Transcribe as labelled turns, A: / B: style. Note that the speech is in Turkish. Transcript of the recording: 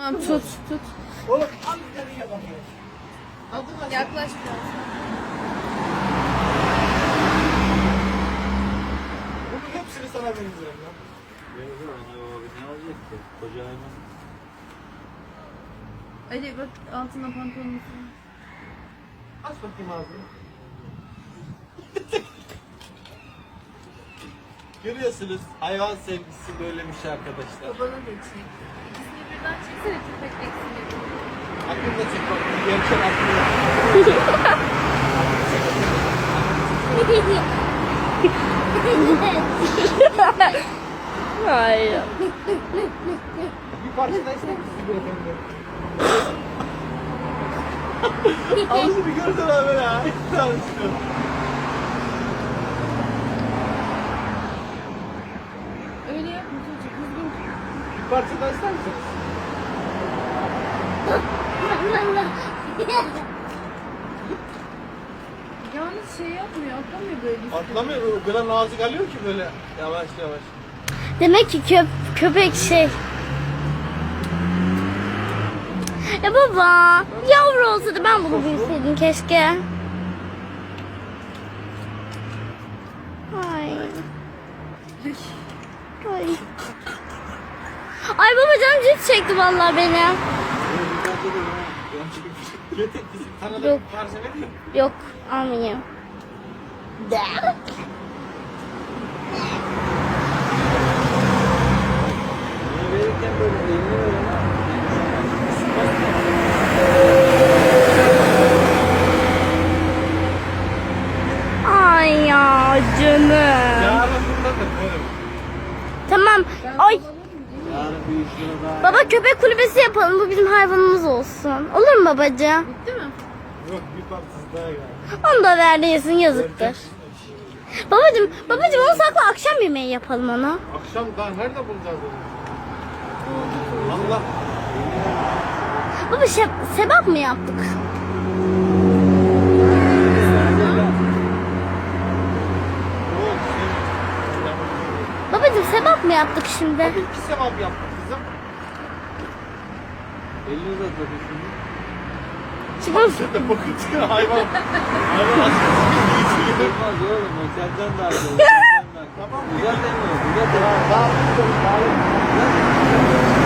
A: Tamam tut.
B: Oğlum al nereye bakıyor?
A: Yaklaş biraz.
B: Bunun hepsini sana vereceğim lan.
C: Ne olacak ki? Koca hayvan.
A: Ali bak altına pantolonunu.
B: Aç bakayım ağzını. Görüyorsunuz hayvan sevgisi böylemiş arkadaşlar.
A: Babana da çek. İkisini birden çeksene köpek eksini.
B: Aklımda çek bak. Gerçek aklımda.
D: Hayır.
B: Bir parça da ister misin beyefendi? Ağzını bir gördün abi böyle ha. Tanıştım.
A: Öyle yapma çocuk. Düzgün.
B: Bir parça da ister misin?
A: Yalnız şey yapmıyor. Atlamıyor böyle.
B: Atlamıyor. O kadar nazik alıyor ki böyle. Yavaş yavaş.
D: Demek ki köpek şey. Ya baba, yavru olsaydı ben bunu bilseydim keşke. Ay. Ay. Ay baba canım cips çekti vallahi beni.
B: Getir bizim sana da
D: Yok.
B: bir parça vereyim.
D: Yok, almayayım.
C: Bunu verirken böyle elini ver ama.
D: Ay ya canım.
B: Yarın buradadır benim.
D: Tamam. Ay
C: Yarın bir işine daha.
D: baba köpek kulübesi yapalım. Bu bizim hayvanımız olsun. Olur mu babacığım?
A: Bitti mi?
B: Yok bir parçası daha geldi.
D: Onu da ver yesin yazıktır. Babacığım onu sakla akşam yemeği yapalım ona.
B: Akşam daha nerede bulacağız onu? Allah.
D: Baba sebap mı yaptık?
B: Yok.
D: Babacığım sebap mı yaptık şimdi?
B: Abi iki sevap yaptık kızım.
C: Elini uzat bakayım şimdi.
D: Şimdi
B: Sen de bakın çıkıyor hayvan. Hayvan aslında
C: Olmaz oğlum o senden daha iyi. Senden daha iyi.
B: Tamam.
C: Uzat elini. Uzat elini.
B: daha iyi.